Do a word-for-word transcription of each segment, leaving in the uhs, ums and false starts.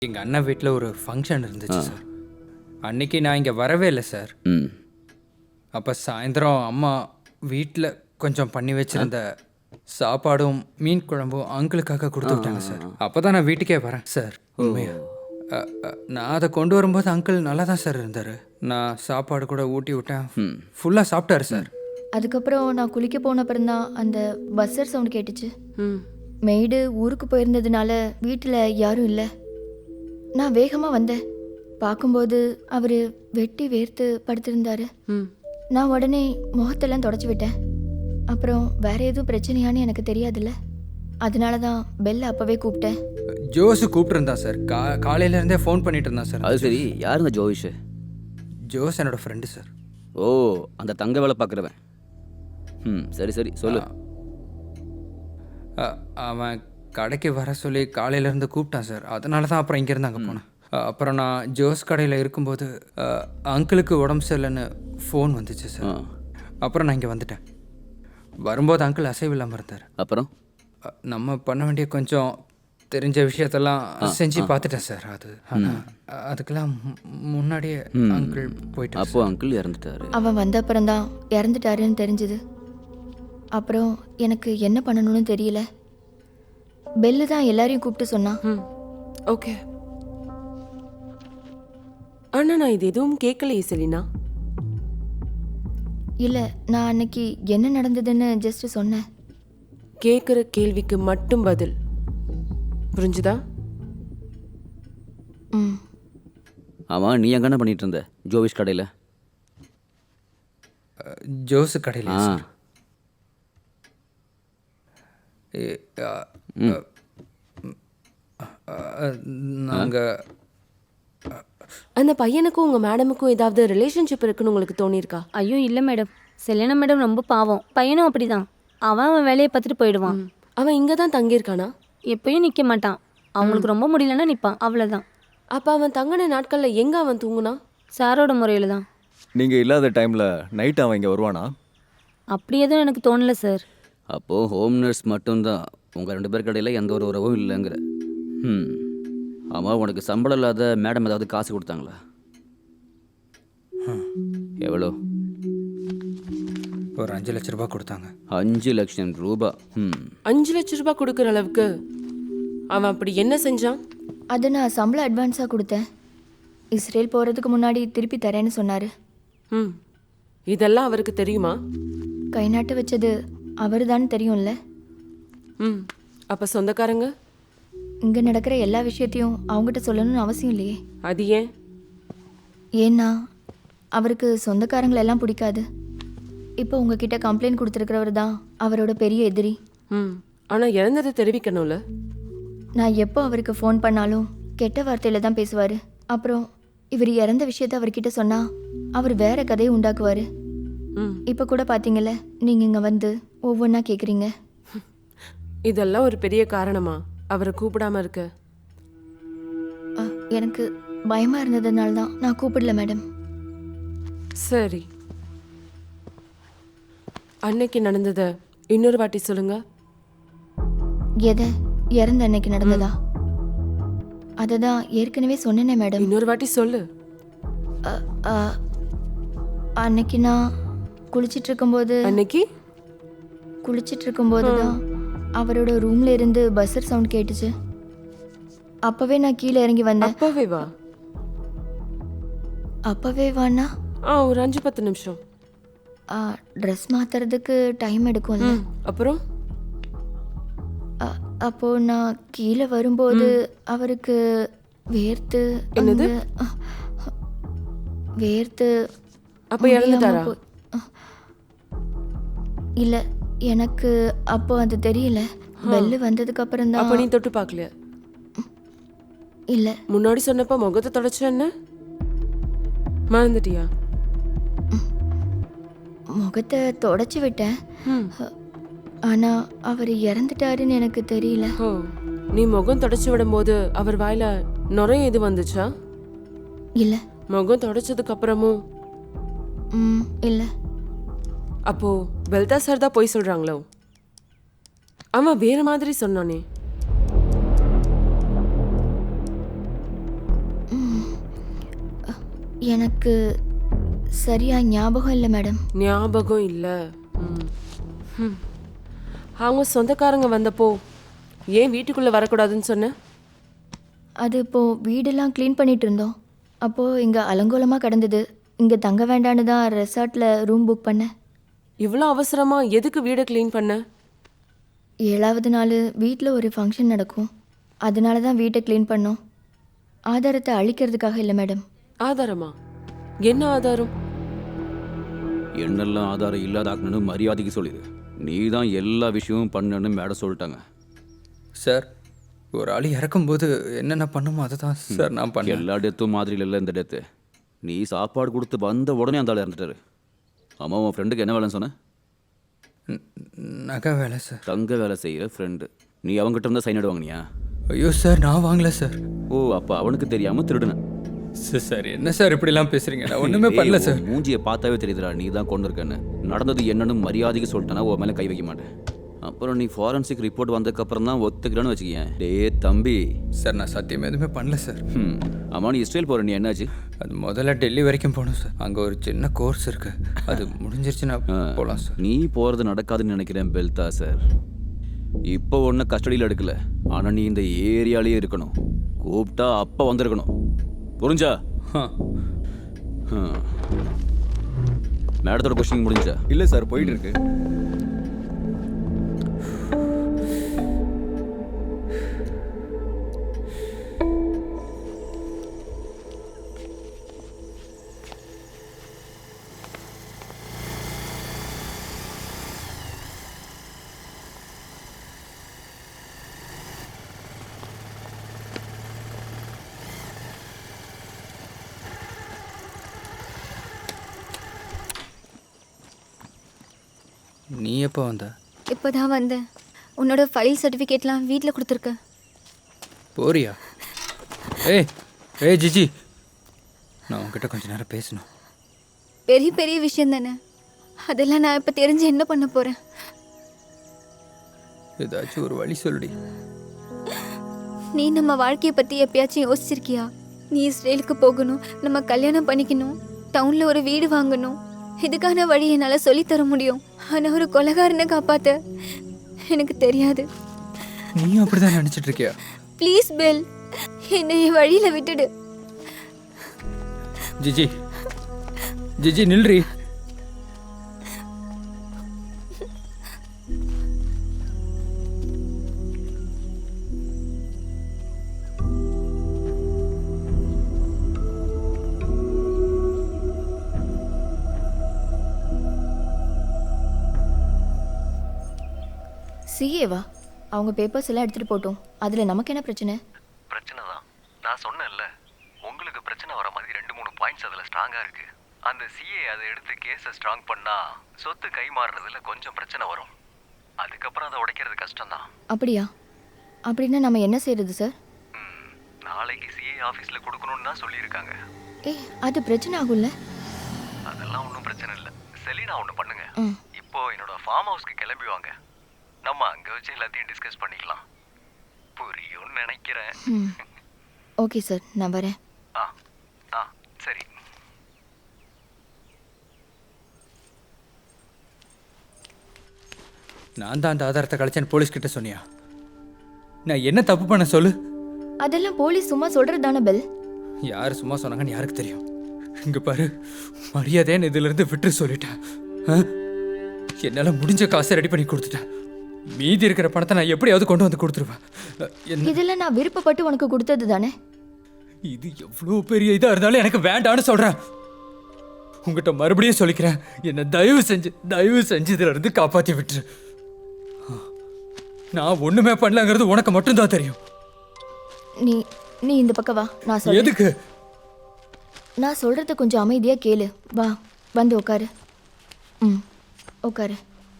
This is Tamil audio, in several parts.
எங்கள் அண்ணன் வீட்டில் ஒரு ஃபங்க்ஷன் இருந்துச்சு சார். அன்னைக்கு நான் இங்கே வரவே இல்லை சார். ம் அப்போ சாயந்தரம் அம்மா வீட்டில் கொஞ்சம் பண்ணி வச்சிருந்த சாப்பாடும் மீன் குழம்பும் அங்கிளுக்காக கொடுத்து விட்டாங்க சார். அப்போ தான் நான் வீட்டுக்கே வரேன் சார். உண்மையா அ, அ, நான் அதை கொண்டு வரும்போது அங்கிள் நல்லா தான் சார் இருந்தார். நான் சாப்பாடு கூட ஊட்டி விட்டேன். ஃபுல்லாக சாப்பிட்டாரு சார். அதுக்கப்புறம் நான் குளிக்க போன அப்புறம் தான் அந்த பஸ்ஸர் சவுண்ட் கேட்டுச்சு. ம் மெய்டு ஊருக்கு போயிருந்ததுனால வீட்டில் யாரும் இல்லை. நான் வேகமாக வந்தேன். பார்க்கும்போது அவர் வெட்டி வேர்த்து படுத்திருந்தாரு. ம் நான் உடனே முகத்தெல்லாம் தொடச்சி விட்டேன். அப்புறம் வேற எதுவும் பிரச்சனையான்னு எனக்கு தெரியாதுல்ல, அதனால தான் பெல்ல அப்போவே கூப்பிட்டேன். ஜோஸு கூப்பிட்டுருந்தான் சார். கா காலையிலேருந்தே ஃபோன் பண்ணிட்டு இருந்தான் சார். அது சரி, யாருங்க ஜோவிஷ்? ஜோஸ் என்னோட ஃப்ரெண்டு சார். ஓ, அந்த தங்க வேலை பார்க்குறவன். ம் சரி சரி சொல்லு. அ, அவன் கடைக்கு வர சொல்லி காலையிலேருந்து கூப்பிட்டான் சார். அதனால தான் அப்புறம் இங்கேருந்து அங்கே போனேன். அ, அப்புறம் நான் ஜோஸ் கடையில் இருக்கும்போது அ, அங்கிளுக்கு உடம்பு சரியில்லைன்னு ஃபோன் வந்துச்சு ஆ சார். அப்புறம் நான் இங்கே வந்துட்டேன். வரும்போது அங்கிள் அசைவில்லாமல் இருந்தார். அப்புறம் அ, நம்ம பண்ண வேண்டிய கொஞ்சம் தெரிஞ்ச விஷயத்தெல்லாம் செஞ்சு பார்த்துட்டேன் சார். அது ஆனால் அதுக்கெல்லாம் மு- முன்னாடியே அங்கிள் போயிட்டு அப்போ அங்கிள் இறந்துட்டாரு. அவன் வந்த அப்புறம் தான் இறந்துட்டாருன்னு தெரிஞ்சுது. அப்புறம் எனக்கு என்ன பண்ணணும்னு தெரியல. பெல்லு தான் எல்லாரையும் கூப்பிட்டு சொன்னான். ம் ஓகே. அண்ணா நான் இது எதுவும் கேட்கலையே செலினா. இல்லை, நான் அன்னைக்கு என்ன நடந்ததுன்னு ஜஸ்ட் சொன்னேன். கேட்குற கேள்விக்கு மட்டும் பதில். புரிஞ்சுதா? ம் ஆமாம், நீ எங்கே பண்ணிட்டு இருந்த ஜோவிஷ் கடையில்? ஜோஸு கடையில் ஆ சார். நாங்கள் அந்த பையனுக்கும் உங்க மேடமுக்கும் ஏதாவது ரிலேஷன்ஷிப் இருக்குன்னு உங்களுக்கு தோணியிருக்கா? ஐயோ இல்லை மேடம், செலினா மேடம் ரொம்ப பாவம். பையனும் அப்படிதான். அவன் அவன் வேலையை பார்த்துட்டு போயிடுவான். ம். அவன் இங்கே தான் தங்கியிருக்கானா? எப்பயும் நிற்க மாட்டான். அவங்களுக்கு ரொம்ப முடியலன்னா நிற்பான், அவ்வளோதான். அப்போ அவன் தங்கின நாட்களில் எங்கே அவன் தூங்குனா? சாரோட முறையில் தான். நீங்கள் இல்லாத டைமில் நைட் அவன் இங்கே வருவானா? அப்படி எதுவும் எனக்கு தோணலை சார். அப்போது ஹோம் நர்ஸ் மட்டும்தான், உங்கள் ரெண்டு பேர் கடையில் எந்த ஒரு உறவும் இல்லைங்கிற. ம் ஆமாம், உனக்கு சம்பளம் இல்லாத மேடம் ஏதாவது காசு கொடுத்தாங்களா? எவ்வளோ? ஒரு அஞ்சு லட்ச ரூபாய் கொடுத்தாங்க. அஞ்சு லட்சம் ரூபா. ம் அஞ்சு லட்ச ரூபாய் கொடுக்குற அளவுக்கு அவன் அப்படி என்ன செஞ்சான்? அதை நான் சம்பளம் அட்வான்ஸாக கொடுத்தேன். இஸ்ரேல் போகிறதுக்கு முன்னாடி திருப்பி தரேன்னு சொன்னார். ம் இதெல்லாம் அவருக்கு தெரியுமா? கை நாட்டு வச்சது அவர் தான் தெரியும்ல. ம் அப்போ சொந்தக்காரங்க? இங்கே நடக்கிற எல்லா விஷயத்தையும் அவங்ககிட்ட சொல்லணும்னு அவசியம் இல்லையே. அது ஏன்? ஏன்னா அவருக்கு சொந்தக்காரங்களை எல்லாம் பிடிக்காது. இப்போ உங்ககிட்ட கம்ப்ளைண்ட் கொடுத்துருக்கிறவர் தான் அவரோட பெரிய எதிரி. ம் ஆனால் இறந்ததை தெரிவிக்கணும்ல. நான் எப்போ அவருக்கு ஃபோன் பண்ணாலும் கெட்ட வார்த்தையில் தான் பேசுவார். அப்புறம் இவர் இறந்த விஷயத்த அவர்கிட்ட சொன்னால் அவர் வேற கதையை உண்டாக்குவார். ம் இப்போ கூட பார்த்தீங்கல்ல, நீங்கள் இங்கே வந்து ஒவ்வொன்றா கேட்குறீங்க. இதெல்லாம் ஒரு பெரிய காரணமா அவரை கூப்பிடாம இருக்க? அ, எனக்கு பயமாக இருந்ததுனால தான் நான் கூப்பிடல மேடம். சரி, அன்னைக்கு நடந்ததை இன்னொரு வாட்டி சொல்லுங்க. எதை? இறந்த அன்னைக்கு நடந்ததா? அதை தான் ஏற்கனவே சொன்னேனே மேடம். இன்னொரு வாட்டி சொல்லு. அ, அ, அன்னைக்கு நான் குளிச்சிட்டு இருக்கும்போது அன்னைக்கு குளிச்சிட்டு இருக்கும்போது தான் அவரோட ரூம்ல இருந்து பஸ்ஸர் சவுண்ட் கேட்டுச்சு. அப்பவே நான் கீழே இறங்கி வந்தேன். அப்பவே வா. அப்பவே வானா ஆ ஒரு அஞ்சு பத்து நிமிஷம். ட்ரெஸ் மாத்துறதுக்கு டைம் எடுக்கும்ல. ம் அப்புறம் அ- அப்போ நான் கீழே வரும்போது அவருக்கு வேர்த்து என்னது? அங்க, அ, வேர்த்து அப்ப முடியாம இறந்துட்டாரா? போய்- அ, இல்ல, எனக்கு அப்போ அது தெரியல. பெல்லு வந்ததுக்கு அப்புறம் அப்ப தான். நீ தொட்டு பார்க்கல? இல்ல, முன்னாடி சொன்னப்ப முகத்தை தொடச்ச என்ன மறந்துட்டியா? முகத்தை தொடச்சி விட்டேன். ம் ஆனா அவர் இறந்துட்டாருன்னு எனக்கு தெரியல. ஓ, நீ முகம் தொடச்சு விடும்போது அவர் வாயில நுரைய எது வந்துச்சா? இல்ல. முகம் தொடச்சதுக்கு அப்புறமும்? ம் இல்ல. அப்போ பெல்தா சார் தான் போய் சொல்றாங்களோ? அவன் வேற மாதிரி சொன்னானே. எனக்கு சரியா ஞாபகம் இல்லை மேடம். ஞாபகம் இல்லை. ம். ம். அவங்க சொந்தக்காரங்க வந்தப்போ ஏன் வீட்டுக்குள்ளே வரக்கூடாதுன்னு சொன்ன? அது இப்போது வீடெல்லாம் க்ளீன் பண்ணிட்டு இருந்தோம். அப்போது இங்கே அலங்கோலமாக கிடந்தது. இங்கே தங்க வேண்டான்னு தான் ரெசார்ட்டில் ரூம் புக் பண்ணேன். இவ்வளோ அவசரமாக எதுக்கு வீடை க்ளீன் பண்ண? ஏழாவது நாள் வீட்டில் ஒரு ஃபங்க்ஷன் நடக்கும். அதனால தான் வீட்டை க்ளீன் பண்ணோம். ஆதாரத்தை அழிக்கிறதுக்காக இல்லை மேடம். ஆதாரமா? என்ன ஆதாரம்? என்னெல்லாம் ஆதாரம் இல்லாதாக்கணும்னு மரியாதைக்கு சொல்லிடு. நீ தான் எல்லா விஷயமும் பண்ணணும்னு மேடம் சொல்லிட்டாங்க. சார், ஒரு ஆள் இறக்கும்போது என்னென்ன பண்ணுமோ அதை தான் சார் நான் பண்ணேன். எல்லா டெத்தும் மாதிரி இல்லை இந்த டெத்து. நீ சாப்பாடு கொடுத்து வந்த உடனே அந்த ஆள் இறந்துட்டாரு. அம்மா, உன் ஃப்ரெண்டுக்கு என்ன வேலைன்னு சொன்ன? ந- நகை வேலை சார். தங்க வேலை செய்கிற ஃப்ரெண்டு. நீ அவங்ககிட்ட இருந்தால் சைன் வாங்கினியா? ஐயோ சார், நான் வாங்கல சார். ஓ, அப்போ அவனுக்கு தெரியாமல் திருடுனேன். சார் சார் என்ன சார் இப்படிலாம் பேசுறீங்க? நான் ஒன்றுமே பண்ணல ஏய், சார். உன் மூஞ்சியை பார்த்தாவே தெரியுதுடா நீ தான் கொண்டு இருக்கன்னு. நடந்தது என்னன்னு மரியாதைக்கு சொல்லிட்டேன்னா உன் மேலே கை வைக்க மாட்டேன். அப்புறம் நீ ஃபாரன்சிக் ரிப்போர்ட் வந்ததுக்கப்புறம் தான் ஒத்துக்கிறேன்னு வச்சுக்கேன். டே தம்பி. சார், நான் சத்தியம் எதுவுமே பண்ணல சார். ம் ஆமாம், நீ இஸ்ரேல் போகிற நீ என்னாச்சு? அது முதல்ல டெல்லி வரைக்கும் போகணும் சார். அங்கே ஒரு சின்ன கோர்ஸ் இருக்கு. அது முடிஞ்சிருச்சுன்னா போகலாம் சார். நீ போகிறது நடக்காதுன்னு நினைக்கிறேன் பெல்தா சார். இப்போ ஒன்றும் கஸ்டடியில் எடுக்கல. ஆனால் நீ இந்த ஏரியாலேயே இருக்கணும். கூப்பிட்டா அப்போ வந்திருக்கணும். புரிஞ்சா? ஆ. மேடத்தோட கொஸ்டின் முடிஞ்சா? இல்லை சார், போயிட்டு இருக்கு. நீ எப்போ வந்த? இப்போ தான் வந்தேன். உன்னோட ஃபைல் சர்டிஃபிகேட்லாம் வீட்டில் கொடுத்துருக்க. போறியா? ஏய் ஏய் ஜிஜி, நான் உங்ககிட்ட கொஞ்ச நேரம் பேசணும். பெரிய பெரிய விஷயம் தானே, அதெல்லாம் நான் இப்போ தெரிஞ்சு என்ன பண்ண போகிறேன்? ஏதாச்சும் ஒரு வழி சொல்லுடி. நீ நம்ம வாழ்க்கையை பற்றி எப்பயாச்சும் யோசிச்சிருக்கியா? நீ இஸ்ரேலுக்கு போகணும், நம்ம கல்யாணம் பண்ணிக்கணும், டவுனில் ஒரு வீடு வாங்கணும். இதுக்கான வழி என்னால் சொல்லித்தர முடியும். ஆனால் ஒரு கொலைகாரனை காப்பாற்ற எனக்கு தெரியாது. நீயும் அப்படிதான் நினைச்சிட்டு இருக்கியா? ப்ளீஸ் பெல், என்னை என் வழியில் விட்டுடு. ஜிஜி ஜிஜி நில்றி. சிஏவா? அவங்க பேப்பர்ஸ் எல்லாம் எடுத்துகிட்டு போட்டோம். அதில் நமக்கு என்ன பிரச்சனை? பிரச்சனை தான். நான் சொன்னேன்ல, உங்களுக்கு பிரச்சனை வர மாதிரி ரெண்டு மூணு பாயிண்ட்ஸ் அதில் ஸ்ட்ராங்காக இருக்குது. அந்த சிஏ அதை எடுத்து கேஸை ஸ்ட்ராங் பண்ணால் சொத்து கை மாறுறதுல கொஞ்சம் பிரச்சனை வரும். அதுக்கப்புறம் அதை உடைக்கிறது கஷ்டம்தான். அப்படியா? அப்படின்னா நம்ம என்ன செய்யறது சார்? ம், நாளைக்கு சிஏ ஆஃபீஸில் கொடுக்கணும்னு தான் சொல்லியிருக்காங்க. ஏ, அது பிரச்சனை ஆகும்ல? அதெல்லாம் ஒன்றும் பிரச்சனை இல்லை. செலினா ஒன்று பண்ணுங்க. ம். இப்போ என்னோட ஃபார்ம் ஹவுஸ்க்கு கிளம்பி வாங்க. நம்ம அங்கே வச்சு எல்லாத்தையும் டிஸ்கஸ் பண்ணிக்கலாம். புரியும்னு நினைக்கிறேன். ம். ஓகே சார், நான் வரேன். ஆ ஆ சரி. நான் தான் அந்த ஆதாரத்தை கழிச்சேன்னு போலீஸ் கிட்ட சொன்னியா? நான் என்ன தப்பு பண்ண சொல்லு? அதெல்லாம் போலீஸ் சும்மா சொல்கிறது தானே பெல்? யார் சும்மா சொன்னாங்கன்னு யாருக்கு தெரியும்? இங்க பாரு, மரியாதைன்னு இதுல இருந்து விட்டு சொல்லிட்டேன். ஆ? என்னால முடிஞ்ச காசை ரெடி பண்ணி கொடுத்துட்டேன். மீதி இருக்கிற பணத்தை நான் எப்படியாவது கொண்டு வந்து கொடுத்துருவேன். என்ன இதெல்லாம் நான் விருப்பப்பட்டு உனக்கு கொடுத்தது தானே? இது எவ்வளோ பெரிய இதா இருந்தாலும் எனக்கு வேண்டான்னு சொல்றேன். உங்ககிட்ட மறுபடியும் சொல்லிக்கிறேன், என்னை தயவு செஞ்சு தயவு செஞ்சு இதுல இருந்து காப்பாத்தி விட்டுரு. நான் ஒண்ணுமே பண்ணலங்கிறது உனக்கு மட்டும்தான் தெரியும். நீ நீ இந்த பக்கம் வா, நான் சொல்றேன். எதுக்கு? நான் சொல்றத கொஞ்சம் அமைதியா கேளு. வா, வந்து உட்காரு. ம், உட்காரு.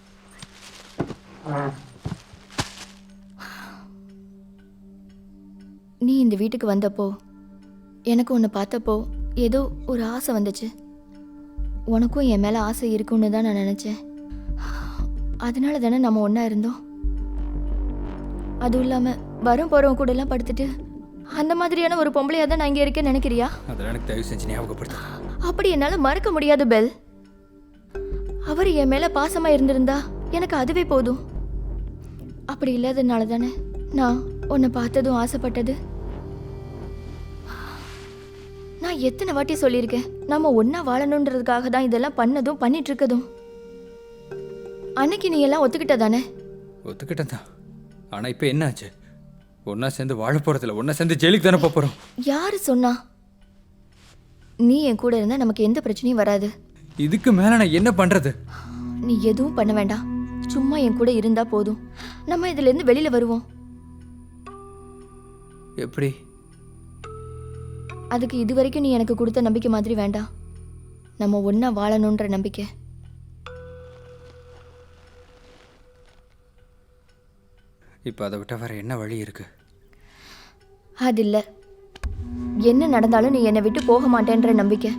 நீ இந்த வீட்டுக்கு வந்தப்போ எனக்கு உன்னை பார்த்தப்போ ஏதோ ஒரு ஆசை வந்துச்சு. உனக்கும் என் மேலே ஆசை இருக்குன்னு தான் நான் நினச்சேன். அதனால தானே நம்ம ஒன்றா இருந்தோம். அதுவும் இல்லாமல் வரும் போகிறவங்க கூடலாம் படுத்துட்டு அந்த மாதிரியான ஒரு பொம்பளையா தான் நான் இங்க இருக்கேன்னு நினைக்கிறியா? அதெல்லாம் எனக்கு தயவு செஞ்சு ஞாபகப்படுத்து. அப்படி என்னால மறக்க முடியாது பெல். அவர் என் மேல பாசமா இருந்திருந்தா எனக்கு அதுவே போதும். அப்படி இல்லாதனால தானே நான் உன்னை பார்த்ததும் ஆசைப்பட்டது. நான் எத்தனை வாட்டி சொல்லியிருக்கேன், நம்ம ஒன்னா வாழணுன்றதுக்காக தான் இதெல்லாம் பண்ணதும் பண்ணிட்டு இருக்கதும். அன்னைக்கு நீ எல்லாம் ஒத்துக்கிட்ட தானே? ஒத்துக்கிட்டேன் தான். ஆனால் இப்போ என்ன ஆச்சு? ஒன்றா சேர்ந்து வாழ போகிறதில்ல, ஒன்றா சேர்ந்து ஜெயிலுக்கு தானே போக போகிறோம். யாரு சொன்னா? நீ என் கூட இருந்தா நமக்கு எந்த பிரச்சனையும் வராது. இதுக்கு மேலே நான் என்ன பண்ணுறது? நீ எதுவும் பண்ண வேண்டாம், சும்மா என் கூட இருந்தா போதும். நம்ம இதுல இருந்து வெளியில வருவோம். எப்படி? அதுக்கு இது வரைக்கும் நீ எனக்கு கொடுத்த நம்பிக்கை மாதிரி வேண்டாம். நம்ம ஒன்னா வாழணுன்ற நம்பிக்கை. இப்போ அதை விட்ட வேற என்ன வழி இருக்கு? அது இல்ல, என்ன நடந்தாலும் நீ என்னை விட்டு போக மாட்டேன்ற நம்பிக்கை.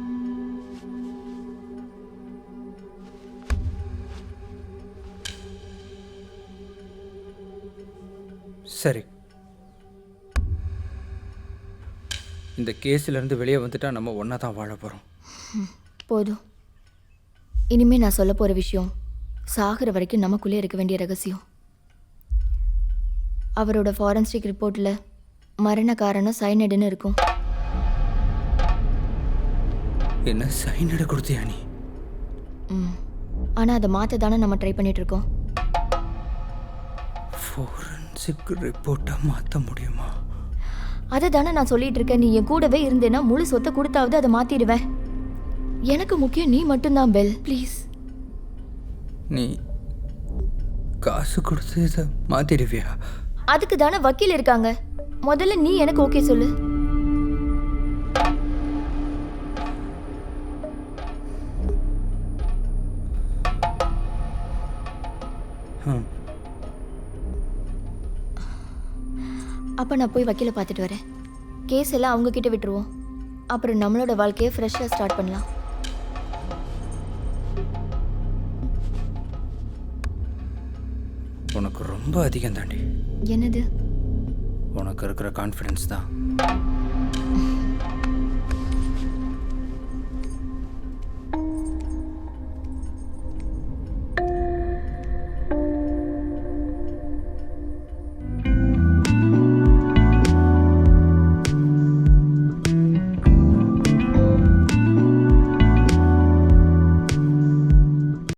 சரி, இந்த கேஸ்ல இருந்து வெளியே வந்துட்டா நம்ம ஒன்றா தான் வாழ போகிறோம். போதும். இனிமே நான் சொல்ல போற விஷயம் சாகிற வரைக்கும் நமக்குள்ளே இருக்க வேண்டிய ரகசியம். அவரோட ஃபாரன்சிக் ரிப்போர்ட்ல மரண காரணம் சைனடுன்னு இருக்கும். என்ன சைனடு கொடுத்தியா நீ? ம் ஆனால் அதை மாற்ற தானே நம்ம ட்ரை பண்ணிட்டு இருக்கோம். ஃபாரன்சிக் ரிப்போர்ட்டை மாற்ற முடியுமா? அதை தானே நான் சொல்லிட்டு இருக்கேன். நீ என் கூடவே இருந்தேன்னா முழு சொத்தை கொடுத்தாவது அதை மாத்திடுவேன். எனக்கு முக்கியம் நீ மட்டும்தான் பெல், ப்ளீஸ். நீ காசு கொடுத்து இதை மாற்றிடுவியா? அதுக்கு தானே வக்கீல் இருக்காங்க. முதல்ல நீ எனக்கு ஓகே சொல்லு. ம். அப்போ நான் போய் வக்கீலை பார்த்துட்டு வரேன். கேஸ் எல்லாம் அவங்க கிட்ட விட்டுருவோம். அப்புறம் நம்மளோட வாழ்க்கையை ஃப்ரெஷ்ஷாக ஸ்டார்ட் பண்ணலாம். உனக்கு ரொம்ப அதிகம் தாண்டி. என்னது? உனக்கு இருக்கிற கான்ஃபிடன்ஸ் தான்